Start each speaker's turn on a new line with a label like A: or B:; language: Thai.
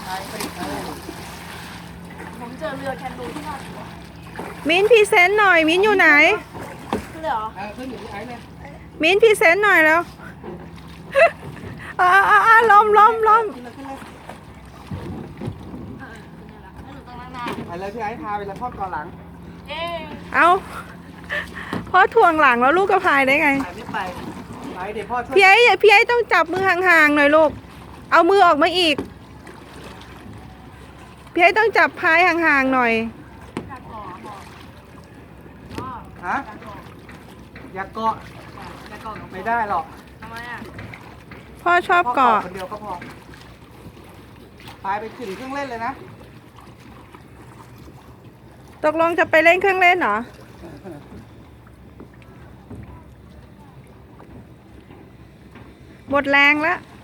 A: ผมเจอเรือแคนูที่ท่าชัว
B: มิ้นพรีเซนต์หน่อยมิ้นอยู่ไหน
A: ขึ้นเลยเหรอ
C: ขึ้นอยู่ที่ไอ้เนี่ย
B: มิ้นพรีเซนต์หน่อยแล้วล้ม
C: ขึ้นเลย
A: ขึ้นเลยละให้หนูต้องนั่งหน้า
C: ไปเลยพี่ไอ้พาไปเลยพ่อก่อนหลัง
A: เอ๊ะ
B: เอาพ่อถ่วงหลังแล้วลูกกระพายได้ไง
C: ไปไม่ไปไปเดี๋ยวพ่อช่วย
B: พี่ไอ้ต้องจับมือห่างๆหน่อยลูกเอามือออกมาอีกพี่ไอ้ต้องจับพายห่างๆหน่อย
A: อยากก่อพ่อ
C: ฮะอย่าเกาะ
A: อยากก่อกับ
C: ไม่ได้หรอก
A: ทำไมอ่ะ
B: พ่อชอบ
C: พ่อ
B: เกาะ
C: คนเดียวก็พอไปถึงเครื่องเล่นเลยนะ
B: ตกลงจะไปเล่นเครื่องเล่นเหรอหมดแรงแล้ว